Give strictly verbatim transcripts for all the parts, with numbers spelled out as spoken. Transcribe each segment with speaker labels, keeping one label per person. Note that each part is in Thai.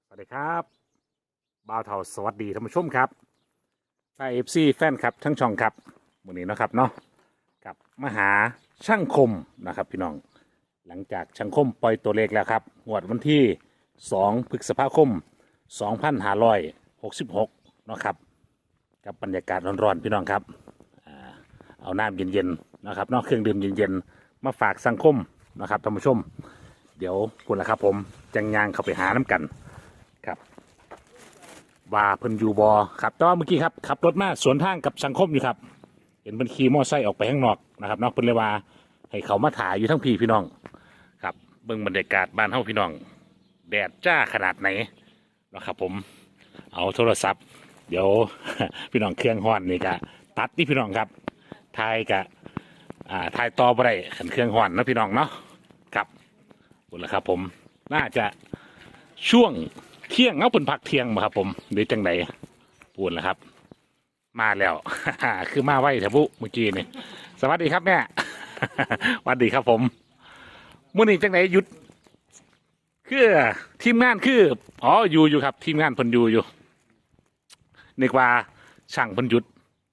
Speaker 1: สวัสดีครับบ่าวเทาสวัสดีท่านผู้ชมครับไทยเอฟซีแฟนครับทั้งช่องครับวันนี้นะครับเนาะกับมหาช่างคมนะครับพี่น้องหลังจากช่างคมปล่อยตัวเลขแล้วครับงวดวันที่สองพฤษภาคมสองพันห้าร้อยหกสิบหกเนาะครับกับบรรยากาศร้อนๆพี่น้องครับอ่าเอาน้ำเย็นๆนะครับเนอกเครื่องดื่มเย็นๆมาฝากสังคมนะครับท่านผู้ชมเดี๋ยวคุณละครับผมจังยางเข้าไปหาน้ำกันครับว่าเพิ่นอยู่บอครับแต่ว่าเมื่อกี้ครับขับรถมาสวนทางกับสังคมอยู่ครับเห็นเพิ่นขี่มอไซค์ออกไปข้างนอกนะครับเนาะเพิ่นเลยว่าให้เขามาถ่ายอยู่ทั้งพี่พี่น้องครับเบิ่งบรรยากาศบ้านเฮาพี่น้องแดดจ้าขนาดไหนนะครับผมเอาโทรศัพท์เดี๋ยว พี่น้องเครื่องฮ้อนนี่ก็ตัดนี่พี่น้องครับถ่ายกะอ่าถ่ายต่อบ่ได้ขันเครื่องฮ้อนนะพี่น้องเนาะครับหมดแล้วครับผมน่าจะช่วงเที่ยงเอาเป็นพักเที่ยงมาครับผมหรือจังไหนปูนแล้วครับมาแล้ว คือมาไว้แถวบุเมื่อกี้นี่สวัสดีครับแม่ สวัสดีครับผมมื่อนี้จังไหนหยุดคือทีมงานคืออ๋ออยู่อยู่ครับทีมงานเพิ่นอยู่อยู่นึกว่าช่างเพิ่นหยุด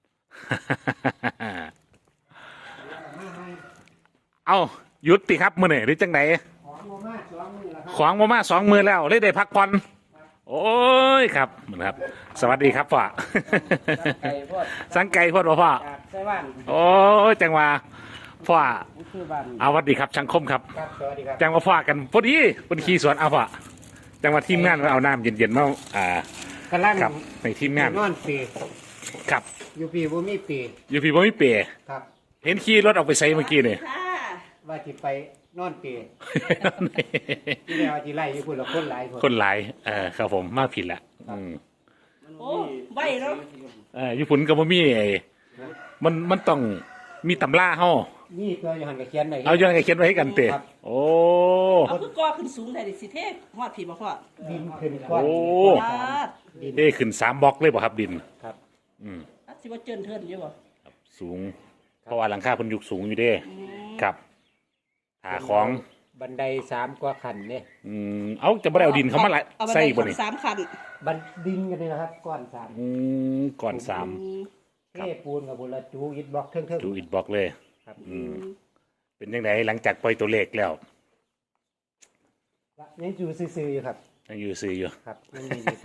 Speaker 1: เอาหยุดติครับมื่อนี้หรือจังไหนของมามาสองมือแล้วเลยได้พักผ่อนโอ้ยครับเหมือนครับ สวัสดีครับพ่อ สังไก่พ่อพ่อโอ้ยจังว่าพ่อเอาสวัสดีครับช่างคมครับจังว่าพ่อกันพอดีพอดีขี่สวนเอาพ่อจังว่าทีมงานมาเอาน้ำเย็นๆมาอ่ากำลังครับในทีมงาน
Speaker 2: นอนปี
Speaker 1: ครับ
Speaker 2: อยู่ปีบ่มีปี
Speaker 1: อยู่พี่บ่มีเปย์
Speaker 2: ครับ
Speaker 1: เห็นขี่รถออกไปใส่เมื่อกี้นี่
Speaker 2: ว่าสิไปนอนปีที่แล้วที่ไล่อยู่พุ่นละคนหลาย
Speaker 1: คนหลายเออครับผมมาผิดละอืม
Speaker 3: โอ้ใบเนาะ
Speaker 1: เออญี่ปุ่นก็บ่มีไอ้มันมันต้องมีตำราเฮา
Speaker 2: นี่ตัวอยู่หันกับเขียนไว้
Speaker 1: เอาย้อนให้เขียนไว้ให้กันเตะโอ้
Speaker 3: เอาคือก่อขึ้นสูงได้ดิสิเทพฮอดผีบ่พ่อ
Speaker 2: ดินขึ้นก้อน
Speaker 1: โอ้
Speaker 3: ดิน
Speaker 1: เอ้ขึ้นสามบล็อกเลยบ่ครับดิน
Speaker 2: ครับ
Speaker 1: อืม
Speaker 3: อัดสิว่าเจินเทินอยู่บ่
Speaker 1: สูงเพราะว่าหลังคาเพิ่นยุคสูงอยู่เด้ครับหาของ
Speaker 2: บันไดสามกว่าขั้นเนี่ย
Speaker 1: อืมเอาจะบ่ได้เอาดินเขามาละใส่บ่นี่
Speaker 3: สามคัน
Speaker 2: บันดินกันนี่นะครับก้อนสาม
Speaker 1: อืมก่อนสาม
Speaker 2: เทปูนกับบุรจูอิฐบล็อกเทิงๆ
Speaker 1: ดูอิฐบล็อกเลย
Speaker 2: ครับ
Speaker 1: อืมเป็นจังไดหลังจากปล่อยตัวเลขแล้ว
Speaker 2: ยังอยู่ซื่อๆอยู่ครับ
Speaker 1: ยังอยู่ซื่ออยู่
Speaker 2: ครับยังมีอยู่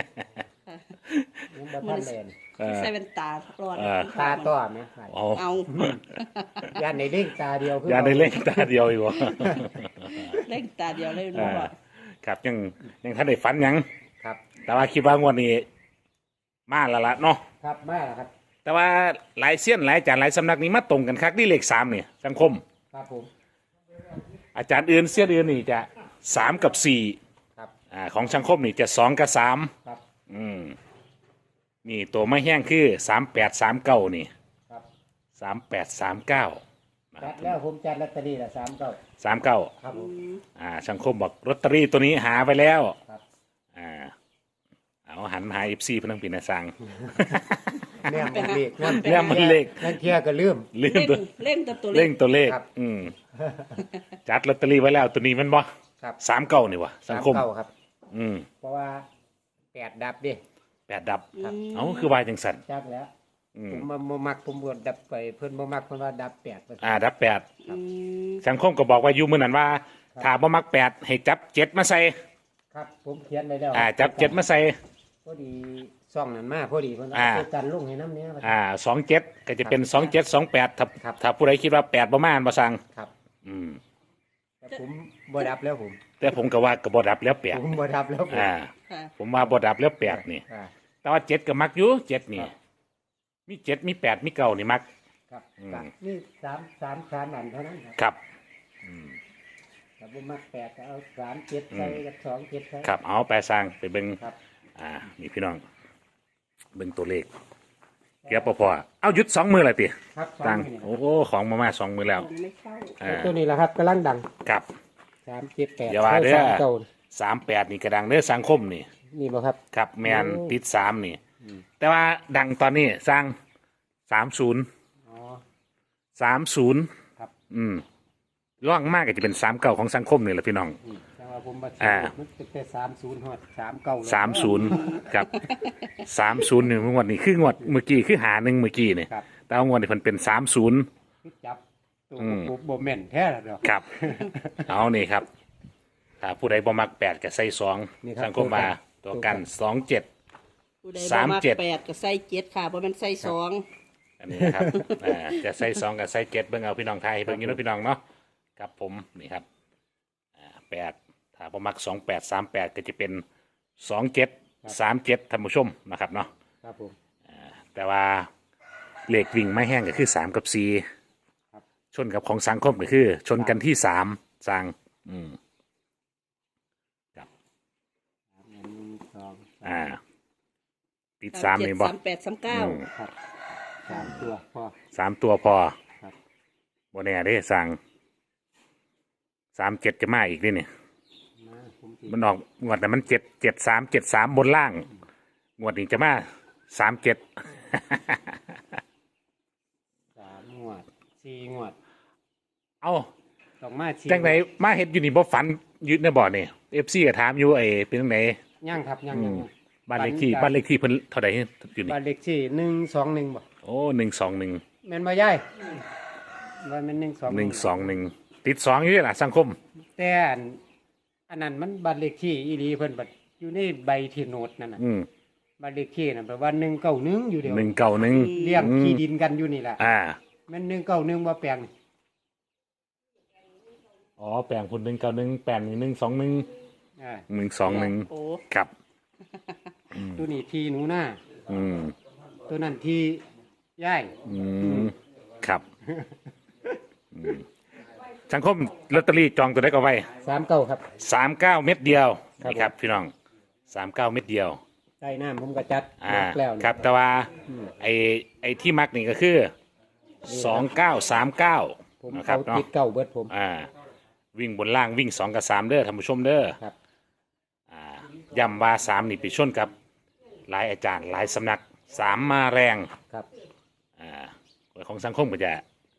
Speaker 2: ยังบ่ทันแลน
Speaker 3: ใส่เป็นตาร้อน
Speaker 2: ตาต้อไหม
Speaker 1: เอา
Speaker 3: เอา
Speaker 2: ย่านในเล่งตาเดียว
Speaker 1: อย่าได้เล่นตาเดียวอีกบ่
Speaker 3: เล่งตาเดียวเลยเนาะพ่อ
Speaker 1: ครับยังยังท่านได้ฝันหยัง
Speaker 2: ครับ
Speaker 1: แต่ว่าคิดว่างวดนี้มาแล้วล่ะเนาะ
Speaker 2: ครับมาแล้วครับ
Speaker 1: แต่ว่าหลายเสี้ยนหลายอาจารย์หลายสำนักนี้มาตรงกันคักที่เลขสามเนี่ยสังคม
Speaker 2: ครับผม
Speaker 1: อาจารย์อื่นเสี้ยนอื่นนี่จะสามกับสี่
Speaker 2: ครับ
Speaker 1: อ่าของสังคมนี่จะสองกับสาม
Speaker 2: ครับ
Speaker 1: อืมนี่ตัวไม่แห้งคือสามแปดสามเก้านี่
Speaker 2: ครับ
Speaker 1: สามแปดสามเก้า
Speaker 2: จัดแล้วผมจัดลอตเตอรี่ละสามเก้า
Speaker 1: สามเก้า
Speaker 2: ครับผม
Speaker 1: อ่าสังคมบอกลอตเตอรี่ตัวนี้หาไปแล้ว
Speaker 2: ครับ
Speaker 1: อ่าเอาหันหาเอฟซีพนังปีนาสัง
Speaker 2: เนี่ยมันเลข
Speaker 1: เนี่ยมันเลข
Speaker 2: นั่นเที่ยก็ลืม
Speaker 1: เล่ง
Speaker 3: เล่ง
Speaker 1: ตัว
Speaker 3: เล่งตัวตัวเล็
Speaker 1: เล่
Speaker 3: ก
Speaker 1: งตัวเลข
Speaker 2: ครับ
Speaker 1: อืมจัดลอตเตอรี่ไว้แล้วตัวนี้มันบ่
Speaker 2: ครับ
Speaker 1: สามเก้านี่วะสังคม
Speaker 2: สาเก้าครับ
Speaker 1: อืม
Speaker 2: เพราะว่าแปดดับดิ
Speaker 1: แปดดับ
Speaker 2: ครับ
Speaker 1: เอาคือวายจังสัน
Speaker 2: จักแล้ว
Speaker 1: อืม
Speaker 2: ผมมาบ่มักผมบวดดับไปเพิ่นบ่มักเพิ่นว่าดับแปด
Speaker 1: อ่าดับแปด
Speaker 3: อืม
Speaker 1: สังคมก็บอกว่าอยู่มือนั้นว่าถ้าบ่มักแปดให้จับเจ็ดมาใส่
Speaker 2: ครับผมเขียนไว้แล้ว
Speaker 1: อ่าจับเจ็ดมาใส่
Speaker 2: พอดีซ่องนั้นมาพอดีเพิ่น
Speaker 1: อ่า
Speaker 2: เอากันลงให้น้ำเนี้ย
Speaker 1: อ่าสองเจ็ดก็จะเป็นสองเจ็ดสองแปดถ้า
Speaker 2: ครับ
Speaker 1: ถ้าผู้ใดคิดว่าแปดประมาณบ่สั่ง
Speaker 2: ครับ
Speaker 1: อืม
Speaker 2: แต่ผมบ่ดับแล้วผม
Speaker 1: แต่ผมก็ว่าก็บ่ดับแล้วแปด
Speaker 2: ผมบ่ดับแล้วผม
Speaker 1: อ่า
Speaker 3: ค่ะ
Speaker 1: ผมว่าบ่ดับแล้วแปดนี่
Speaker 2: อ่า
Speaker 1: แต่ว่าเจ็ดก็มักอยู่เจ็ดนี่
Speaker 2: ครับ
Speaker 1: มีเจ็ดมีแปดมีเก้านี่มัก
Speaker 2: ครับ
Speaker 1: อืม
Speaker 2: ครับนี่สามสามสามอันเท่านั้นครับ
Speaker 1: ครับอืม
Speaker 2: ถ้าบ่มักแปดก็เอาสามเจ็ดใส่กับสองเจ็ดใส่
Speaker 1: ครับเอาไปสร้างไปเบิ่ง
Speaker 2: ครับ
Speaker 1: อ่านี่พี่น้องเบิ่งตัวเลขเกียบพอๆเอาหยุดสองมือเลยติ
Speaker 2: ครับสอง
Speaker 1: ตั้ง
Speaker 2: นี่
Speaker 1: โอ้โหของมามาสองมือแล้ว
Speaker 3: ไม่เข้า
Speaker 1: อ่า
Speaker 2: ตัวนี้แหละครับกำลังดัง
Speaker 1: กับ
Speaker 2: สามเจ็ดแปด
Speaker 1: อย่าว่าเด้อ
Speaker 2: สามเก้า
Speaker 1: สามแปดนี่กระดังเด้อสังคมนี่
Speaker 2: นี่บ่ครับ
Speaker 1: ครับแมน
Speaker 2: โอ้
Speaker 1: ติดสามนี่ แต่ว่าดังตอนนี้สร้างสามศูนย์
Speaker 2: อ๋อ
Speaker 1: สามศูนย์
Speaker 2: ครับ
Speaker 1: อืมร่องมากก็จะเป็นสามเก่าของสังคมนี่แหละพี่น้อง
Speaker 2: อืมแต่ว่าว่าผมมา
Speaker 1: อ่า
Speaker 2: มันเป็นแต่สามศูนย์ฮอดสามเก้า
Speaker 1: สามศูนย์ครับสามศูนย์หนึ่งงวดนี้คืองวดเมื่อกี้คือหาหนึ่งเมื่อกี้เนี่ย
Speaker 2: ครับ
Speaker 1: แต่ว่างวดนี้เพิ่นเป็นสามศูนย์
Speaker 2: คือจับตัว
Speaker 1: อืม
Speaker 2: ปุ๊บบ่แม่นแท้แล้วเนาะ
Speaker 1: ครับ เอานี่ครับถ้าผู้ใดบ่มักแปดก็ใส่สอง
Speaker 2: นี่ครับ
Speaker 1: สังคมมาตัวกันสองเจ็ด
Speaker 3: ผู้ใด
Speaker 1: สาม
Speaker 3: บ่
Speaker 1: เจ็ด
Speaker 3: แปดก็ใส่เจ็ดค่ะบ่แม่นใส่สอง
Speaker 1: อันนี้นะครับ อ่าจะใส่สองกับใส่เจ็ดเบิ่งเอาพี่น้องไทยเบิ่งอยู่เนาะพี่น้องเนาะครับผมนี่ครับอ่าแปดถ้าบ่มักสองแปดสามแปดก็จะเป็นสองเจ็ดสามเจ็ดท่านผู้ชมนะครับเนาะ
Speaker 2: ครับผม
Speaker 1: แต่ว่าเหล็กวิ่งไม่แห้งก็คือสามกับสี่
Speaker 2: ครับ
Speaker 1: ชนกับของสังคมก็คือ ชนกันที่สามสังอืม
Speaker 2: สามหนึ่งสอง
Speaker 1: อ่า ติดสามนี่บ่
Speaker 3: สามแปดสามเก้า
Speaker 1: อืม
Speaker 2: ครับสามตัวพอ
Speaker 1: สามตัวพอ
Speaker 2: ครับ
Speaker 1: บ่แน่เด้สั่งสามเจ็ดจะมาอีกนี่นี่
Speaker 2: มาผมสิ
Speaker 1: มันออกงวดแต่มันเจ็ดเจ็ดสามเจ็ดสามบนล่าง งวดนี้จะมาสามเจ็ด
Speaker 2: สามงวดสี่งวด
Speaker 1: เอา
Speaker 2: ต้องมาสี่
Speaker 1: จังไหนมาเฮ็ดอยู่นี่บ่ฝันยึดในบ่อนี่เอฟซีก็ถามอยู่ไอ้เป็นจังไหน
Speaker 2: ยังครับยังยังยัง
Speaker 1: บ้านเลขที่บ้านเลขที่เพิ่นเท่าใดอยู่นี่
Speaker 2: บ้านเลขที่หนึ่งสองหนึ่งบ่
Speaker 1: โอ้หนึ่งสองหนึ่ง
Speaker 2: แม่นบ่ยายว่าแม่นหนึ่งสอง
Speaker 1: หนึ่งสองหนึ่งติดสองอยู่นี่ล่ะสังคม
Speaker 2: แต่อันอันนั้นมันบ้านเลขที่อีหลีเพิ่นบัดอยู่ในใบที่โนดนั่นน่ะ
Speaker 1: อืม
Speaker 2: บ้านเลขที่น่ะแปลว่าหนึ่งเก้าหนึ่งอยู่เดียว
Speaker 1: หนึ่งเก่าหนึ่ง
Speaker 2: เลี้ยงที่ดินกันอยู่นี่แหละ
Speaker 1: อ่า
Speaker 2: แม่นหนึ่งเก้าหนึ่งบ่แปลงนี่
Speaker 1: อ๋อแปลงคนหนึ่งเก่าหนึ่งแปลงหนึ่งสองหนึ่ง
Speaker 2: อ่า
Speaker 1: หนึ่งสองหนึ่ง
Speaker 3: โอ้
Speaker 1: ครับ
Speaker 2: ตัวนี้ที่หนูหน้า
Speaker 1: อืม
Speaker 2: ตัวนั้นที่ย่าย
Speaker 1: อืมครับอืมสังคมลอตเตอรี่จองตัวได้ก็ไว้
Speaker 2: สามเก้าครับ
Speaker 1: สามเก้าเม็ดเดียว
Speaker 2: ครับ
Speaker 1: นี่ครับพี่น้องสามเก้าเม็ดเดียว
Speaker 2: ใต้น้ำผมก็จัด
Speaker 1: อ่า
Speaker 2: มักแล้วนี่
Speaker 1: ครับแต่ว่าไอ้ไอ้ที่มักนี่ก็คือสองเก้าสามเก้า
Speaker 2: ผม
Speaker 1: นะครั
Speaker 2: เอา
Speaker 1: บเนาะ
Speaker 2: ติดเก้าเบิดผม
Speaker 1: อ่า วิ่งบนล่างวิ่งสองกับสามเด้อท่านผู้ชมเด้อ
Speaker 2: ครับ
Speaker 1: อ่าย้ำว่าสามนี่ไปชนกับหลายอาจารย์หลายสำนักสามมาแรง
Speaker 2: ครับ
Speaker 1: อ่าของสังคมก็จะ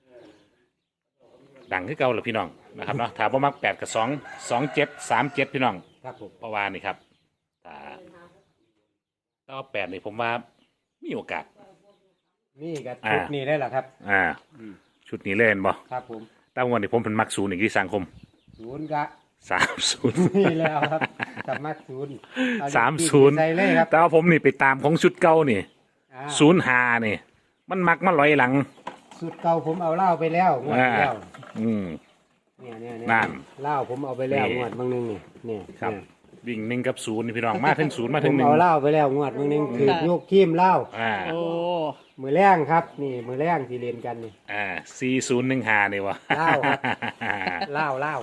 Speaker 1: ดังขึ้นเก่าเลยพี่น้องนะครับเนาะถ้าบ่มักแปดกับสองสองเจ็ดสามเจ็ดพี่น้อง
Speaker 2: ครับผม
Speaker 1: เพราะว่านี่ครับถ้าถ้าว่าแปดนี่ผมว่ามีโอกาส
Speaker 2: นี่ก็
Speaker 1: อ่า
Speaker 2: ชุดนี้ได้แหละครับ
Speaker 1: อ่า ชุดนี้เล่นบ่
Speaker 2: ครับผม
Speaker 1: ตั้งวันนี้ผมเป็นมักศูนย์อีกที่สังคม
Speaker 2: ศูนย์กะ
Speaker 1: สามศูนย์
Speaker 2: นี่แล้วครับสามารถศูนย์เอเลข
Speaker 1: สาม
Speaker 2: ที่
Speaker 1: ศูนย์
Speaker 2: ใส่เลยครับ
Speaker 1: แต่ว่าผมนี่ไปตามของชุดเก่านี่
Speaker 2: อ่า
Speaker 1: ศูนย์หานี่มันมักมาลอยหลัง
Speaker 2: สุดเก่าผมเอาเหล้าไปแล้วงวดที่แล้ว
Speaker 1: อืม
Speaker 2: เนี่ยเนี่ยเนี่ย
Speaker 1: นั่น
Speaker 2: เหล้าผมเอาไปแล้ว
Speaker 1: นี่
Speaker 2: งวดบางนึงนี่เนี่ย
Speaker 1: ครับ
Speaker 2: เนี่ย
Speaker 1: วิ่งหนึ่งกับศูนย์นี่พี่น้องมาถึงศูนย์มา
Speaker 2: ผ
Speaker 1: ถึง
Speaker 2: ม
Speaker 1: หนึ่ง
Speaker 2: เอาเหล้าไปแล้วงวดบางนึงคือ
Speaker 3: ค่ะ
Speaker 2: ยกทีมเหล้า
Speaker 1: อ่า
Speaker 3: โอ้
Speaker 2: มือแรงครับ นี่มือแรงที่เรียนกันนี่
Speaker 1: อ่าสี่ศูนย์หนึ่งหานี่วะ
Speaker 2: เหล้าครับ เหล้าเหล้า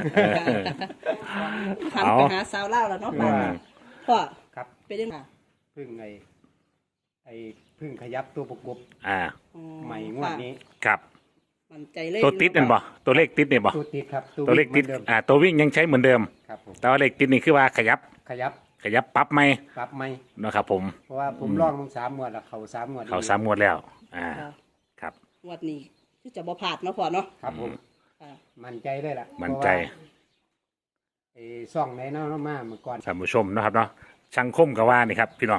Speaker 3: หันไปหาสาวเล่าวแล้วเนาะพ่อ
Speaker 2: อืม
Speaker 3: พ่อ
Speaker 2: ครับ
Speaker 3: เป็นยังไง
Speaker 2: พึ่งไอ้ไอ้พึ่งขยับตัวประกบ
Speaker 1: อ่า
Speaker 3: อ๋อ
Speaker 2: ใหม่งวดนี้
Speaker 1: ครับ
Speaker 3: มั่นใจเลย
Speaker 1: ตัวติดนั่นบ่ตัวเลขติดนี่บ่
Speaker 2: ตัวติดครับ
Speaker 1: ตัวเลขติด
Speaker 2: หมือนเดิม
Speaker 1: อ่าตัววิ่งยังใช้เหมือนเดิม
Speaker 2: ครับผม
Speaker 1: แต่ว่าเลขติดนี่คือว่าขยับ
Speaker 2: ขยับ
Speaker 1: ขยับปรับไหม
Speaker 2: ปรับไหม
Speaker 1: นะครับผม
Speaker 2: เพราะว่าผมลองทั้งสามงวดแล้วเขาสามงวด
Speaker 1: เขาสามงวดแล้ว อ่า
Speaker 3: ค่ะ
Speaker 1: ครับ
Speaker 3: งวดนี้คือจะบ่พลาดเนาะพ่อเนาะ
Speaker 2: ครับผม
Speaker 3: ค่ะ
Speaker 2: มั่นใจเลยล่ะ
Speaker 1: มั่นใจ
Speaker 2: เพราะว่าไอ้ซ่องในเน้ามาเมื่อก่อน
Speaker 1: ท่านผู้ชมนะครับเนาะช่างคมก็ว่านี่ครับ พี่น้อง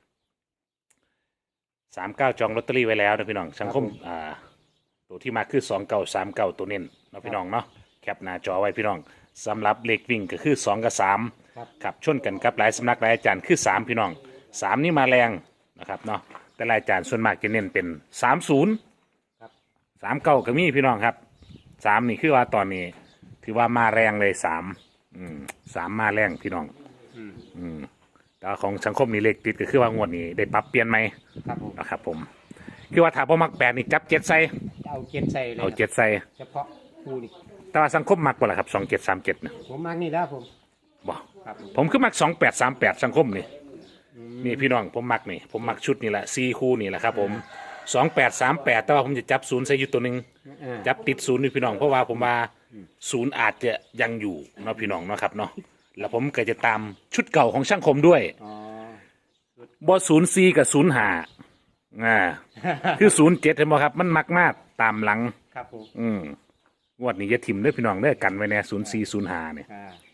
Speaker 1: สามเก้าจองลอตเตอรี่ไว้แล้วนะพี่น้องช่างคมอ่าตัวที่มาคือสองเก้าสามเก้าตัวเน้นเนาะพี่น้องเนาะแคปหน้าจอไว้พี่น้องสำหรับเลขวิ่งก็คือสองกับสาม
Speaker 2: ครับ
Speaker 1: ครับชนกันกับหลายสำนักหลายอาจารย์คือสามพี่น้องสามนี่มาแรงนะครับเนาะแต่หลายอาจารย์ส่วนมากจะเน้นเป็นสามศูนย์
Speaker 2: ครับ
Speaker 1: สามเก้าก็มีพี่น้องครับสามนี่คือว่าตอนนี้ถือว่ามาแรงเลยสามอืมสามมาแรงพี่น้อง
Speaker 2: อืม
Speaker 1: อืมแต่ว่าของสังคมนี่เลขติดก็คือว่างวดนี้ได้ปรับเปลี่ยนไหม
Speaker 2: ครับผม
Speaker 1: นะครับผมคือว่าถ้าพ่มักแปดนี่จับเจ็ดใส่
Speaker 2: เอาเจ็ดใส่เลย
Speaker 1: เอาเจ็ดใส่
Speaker 2: เฉพาะคู่นี่
Speaker 1: แต่ว่าสังคมมักบ่ล่ะครับสองเจ็ดสามเจ็ดนะ
Speaker 2: ผมมักนี่แล้วผม
Speaker 1: บอก
Speaker 2: ครับผม
Speaker 1: ผมคือมักสองแปดสามแปดสังคมนี่นี่พี่น้องผมมักนี่ผมมักชุดนี่แหละสี่คู่นี่แหละครับผมสองแปดสามแปดแต่ว่าผมจะจับศูนย์ใส่อยู่ตัวหนึ่ง
Speaker 2: อ่า
Speaker 1: จับติดศูนย์นี่พี่น้องเพราะว่าผมว่าศูนย์อาจจะยังอยู่เนาะพี่น้องเนาะครับเนาะแล้วผมก็จะตามชุดเก่าของช่างคมด้วย
Speaker 2: อ๋อ
Speaker 1: บอศูนย์สี่กับศูนย์ห้าอ่า คือศูนย์เจ็ดเห็นบ่ครับ มันมักมากตามหลัง
Speaker 2: ครับผม
Speaker 1: อืมงวดนี้จะถิ่มเด้อพี่น้องเด้อกันไว้แน่ศูนย์สี่ศูนย์ห้าเนี่ย
Speaker 2: อ่า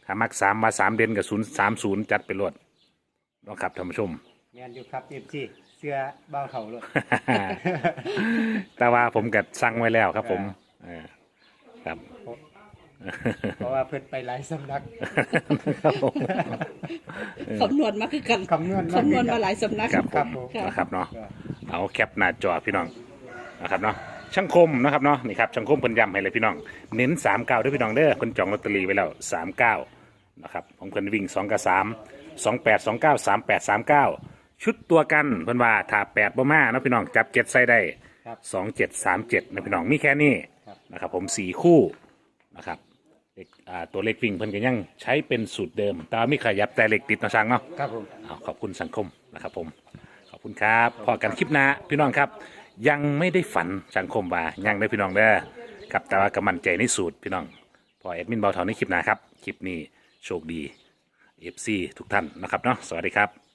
Speaker 1: ถ้ามักสามมาสามเด่นกับศูนย์สามศูนย์จัดไปรวดเนาะครับท่านผู้ชม
Speaker 2: แม่นอยู่ครับเอฟซีเสื้อเบ้าเท่าเลย
Speaker 1: แต่ว่าผมกัดสั่งไว้แล้วครับผมเออครับ
Speaker 2: เพราะว่าเพิ่นไปหลายสำนัก
Speaker 1: ครับผม
Speaker 3: คำนวณมาคือกัน
Speaker 2: คำนวณมา
Speaker 3: คำนวณมาหลายสำนัก
Speaker 1: ครับผ
Speaker 2: ครับ
Speaker 1: ม
Speaker 2: ผม
Speaker 1: นะครับเนาะเอาแคปหน้าจอพี่น้องนะครับเนาะช่างคมนะครับเนาะนี่ครับช่างคมเพิ่นย้ำให้เลยพี่น้องเน้นสามเก้าด้วยพี่น้องเด้อเพิ่นจองลอตเตอรี่ไว้แล้วสามเก้านะครับผมเพิ่นวิ่งสองกับสามสองแปดสองเก้าสามแปดสามเก้าชุดตัวกันเพิ่นว่าถ้าแปดบ่มาเนาะพี่น้องจับเจ็ดใส่ได้
Speaker 2: ครับ
Speaker 1: สองเจ็ดสามเจ็ดนะพี่น้องมีแค่นี้
Speaker 2: ครับ
Speaker 1: นะครับผมสี่คู่นะครับเลขอ่าตัวเลขวิ่งเพิ่นก็ยังใช้เป็นสูตรเดิมแต่ว่ามีขยับแต่เลขติดเนาะช่างเนาะ
Speaker 2: ครับผม
Speaker 1: เอาขอบคุณสังคมนะครับผมขอบคุณครับพอกันคลิปหน้าพี่น้องครับ ยังไม่ได้ฝันสังคมว่ายังได้พี่น้องเด้อครับแต่ว่ากำมันใจในสูตรพี่น้องพอแอดมินเบาเท่าในคลิปหน้าครับคลิปนี้โชคดี เอฟ ซี ทุกท่านนะครับเนาะสวัสดีครับ